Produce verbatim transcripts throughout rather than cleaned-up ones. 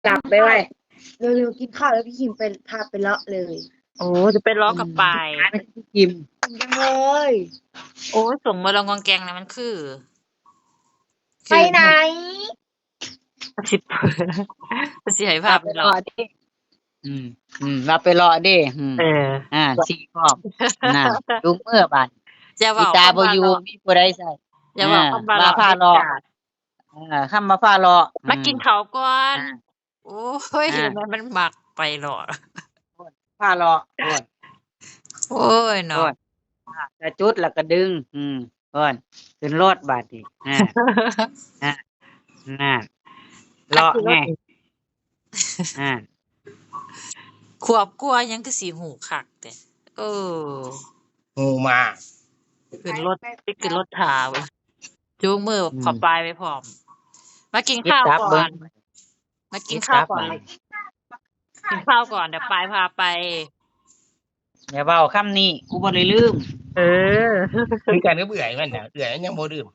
กลับไปไว้เร็วๆกินข้าวแล้วพี่คิมไปพาไปเลาะเลยโอ้จะไปล้อกับปลาหยาไปพี่คิมจังเลยโอ้ส่งมาลองกองแกงนะมันคือไปไหนสิบสิให้ภาเราพไปหรอไปรอดิอืมอืมเราไปรอดิอืมเอออ่าสี่พร้อมน่ะดูเมื่อบาดอย่าบอีอกตาบ่อยู่คำว่าหรอกมีผู้ใดใส่อย่าอ่าบอกคำว่าหรมาอกเด็ดพารอขาดอ่าคำมาพารออืมามกินเขาวก่อนอ่าโอ้ยอ่ามันมันหมักไปหรอโอนพารอโอนโอ้ยเนาะโอนอ่าจะจุดแล้วก็ดึงอืมโอนขึ้นรถบาดนี้อ่าอ่าน่ะเลาะไงคันสิรถอ่าขวบกลัวยังคือสีหูคักแต่เอองูมาขึ้นรถไปขึ้นรถถาเว้ยจูงมืออืมขอปลายไปพร้อมมากินคิดข้าวตับเบิ่งก่อนมากินคิดข้าวก่อนตับบัดกินข้าวก่อนเดี๋ยวปลายพาไปอย่าเว้าคำนี้กูบ่ได้ลืมเออคือการก็เบื่อมันน่ะเบื่อยังบ่ดื่ม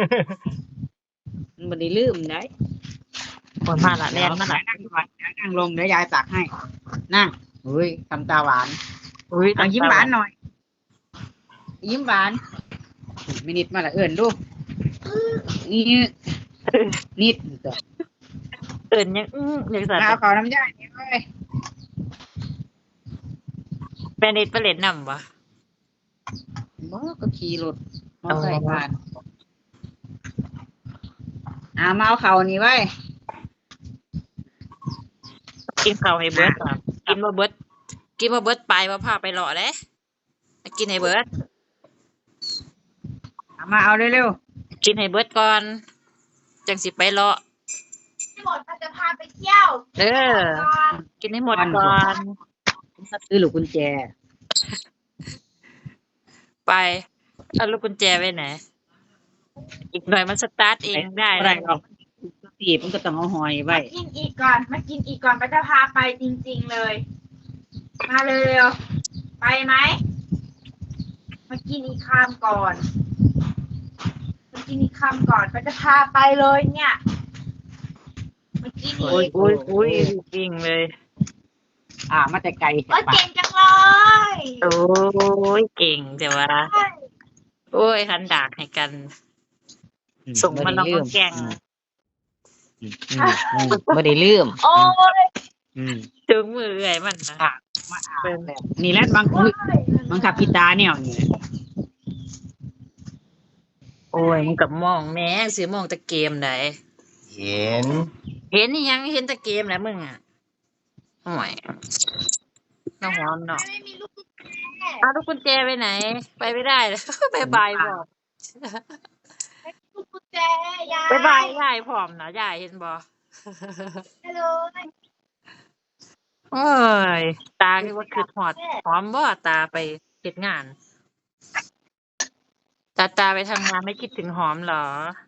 มันบ่ได้ลืมได้คนมาละแล่เดี๋ยวนมาละนั่งก่อนเดี๋ยวนั่งลงเดี๋ยวยายตักให้นั่งเฮ้ยทำตาหวานอุ้ยเอายิ้มหวานหน่อยยิ้มหวานมินิดมาละเอิ้นดูนี่นิดตัวเอิ้นยังอื้อยังสั่นเอาขอน้ำยานี่เว้ยแม่นิดไปเล่นน้ำบ่บ่ก็ขี่รถมอไซค์ผ่านอ่ามาเอาเขานี่ไว้กินข้าวให้เบิดก่อนกินบ่เบิดกินบ่เบิดปลายบ่พาไปเลาะเด้มากินให้เบิดเอามาเอาเร็วกินให้เบิดก่อนจังสิไปเลาะพี่หมดมันจะพาไปเที่ยวเออ กินให้หมดก่อนๆซื้อลูกกุญแจไปเอาลูกกุญแจไว้ไหน อีกหน่อยมันสตาร์ทเองได้บ่ได้หรอกตีบมันก็ต้องเอาหอยไว้มากินอีกก่อน มากินอีกก่อนมันจะพาไปจริงๆเลย มาเร็วๆ ไปไหม มากินอีกคำก่อน มากินอีกคำก่อนมันจะพาไปเลยเนี่ย มากินโอ้ยอีกโอ้ยโอ้ยวิ่งเลยอ่ามาแต่ไกลโอ้ยปะเก่งจังเลยโอ้ยเก่งแต่ว่า โอ้ยหันดากให้กันอืส่งมาลองบ่ได้ลืกองแกงอืมอืมอืมบ่ได้ลืมโอ้ยอืมถึงมือเอื่อยมันนะอ่ะมาอ่านแบบนี่แหละบางอุ๊ยบังคับกีตาร์แนวนี่แหละโอ้ยมึงกับมองแม่งสิมองแต่เกมไหนเห็นเห็นนี่ยังเห็นแต่เกมแหละมึงอ่ะโอ้ยน้องหอมเนาะไม่มีลูกกุญแจเอาลูกกุญแจไปไหน ไปไม่ได้เลย บายบายบอกลูกกุญแจยายบายบายยายพร้อมนะยายเห็นบ่ไปเลยโอ้ยตาคือว่าคือหอดหอมบ่ตาไปเฮ็ดงาน ตาตาไปทำงานไม่คิดถึงหอมเหรอ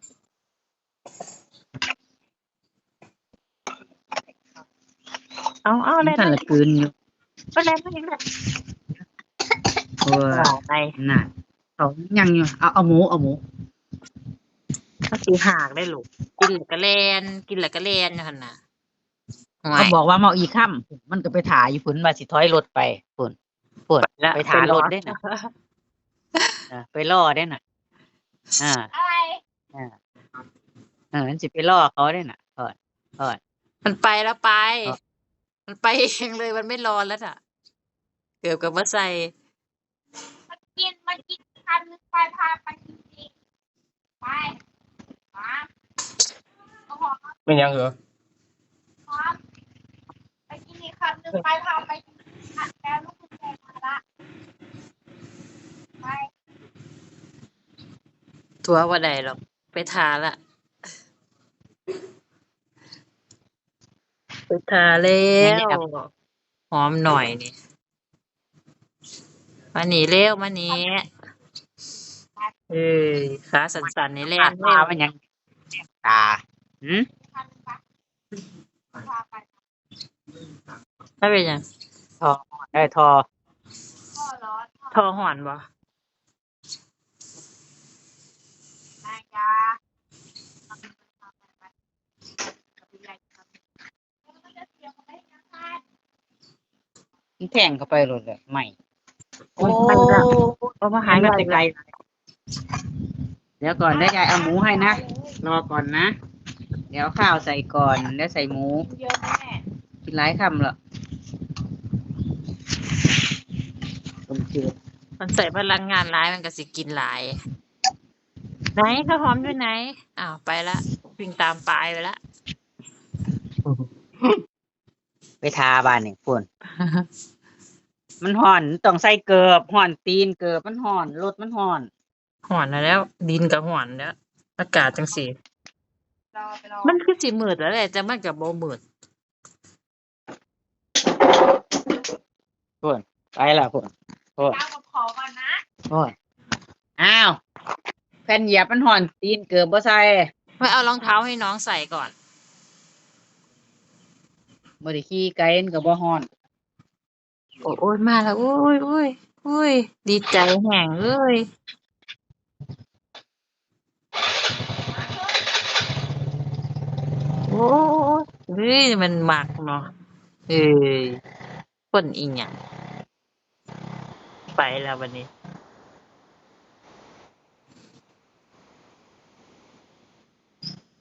เอาเอามัเล่นนท่านละคืนอยู่ก็เล่นไม่ได้โอ้ยไปน่ะเขายังอยู่เอาเอาหมูเอาหมูก็สิหากได้ลูกกินแล้วก็แล่นกินแล้วก็แล่นอยู่หั่นน่ะห่วเขายบอกว่าเมาอีค่ำมันก็ไปถ่ายอยู่พุ่นว่าสิถอยรถไปพุ่นพุ่นแล้วไปถ่ายรถไปรอได้น่ะเออไปรอได้น่ะอ่าอะไรอ่าเออมันสิไปล่อเขาได้น่ะเออเออมันไปแล้วไปอ๋อมันไปเองเลยมันไม่รอแล้วน่ะ เกือบกับว่าใส่มากินมากินคำนึงไปพาไปจริงๆไปมาเอาหอมเป็นยังเหรอหอมไปกินอีกคำนึงไปพาไปจริงๆอ่ะแล้วลูกกุญแจมาละไปทัวว่าใดหรอก ไปทาละ ไปทาแล้แม่นว หอมหน่อยนี่ มานี่เร็วมานี่เอ้ยขาสั่นๆนี่แล่ตานเร็ตาว มันยังตาหืมคำนึงไปพาไปไม่เป็นหยังทอได้ทอพ่อร้อนทอหอนบ่นายยามันแทงเข้าไปโลดเลยใหม่โอ้ยไปละเอามาหายมาไปแต่ไกลเดี๋ยวก่อนได้ยายเอาหมูให้นะรอก่อนนะ เดี๋ยวข้าวใส่ก่อนแล้วใส่หมูเยอะไหมแม่กินหลายคำเหรอต้มจืดมันใส่พลังงานหลายมันก็สิกินหลาย ไหนข้าวหอมอยู่ไหนอ้าวไปละวิ่งตามปลายไปละไปทาบ้านนี่พุ่น มันห่อนต้องใส่เกือบห่อนตีนเกือบมันห่อนรถมันห่อนหอนแล้ว ดินกับหอนแล้ว อากาศจังสีรอไปรอมันคือสิมืดแล้วแหละแต่มันกับโบมืดพุ่นไปละพุ่นพุ่นเจ้ากับขอก่อนนะพุ่นอ้าวแผ่นเหยียบมันห่อนตีนเกือบบ่ใส่ไม่เอารองเท้าให้น้องใส่ก่อนบ่ได้ขี่ไกลมันก็บ่ห่อนโอ้โอ้ยมาแล้วโอ้ยโอ้ยโอ้ยดีใจแห่งเลยโอ้ยเฮ้ยมันหมักเนาะเอ้ยคนอีหยังไปแล้ววันนี้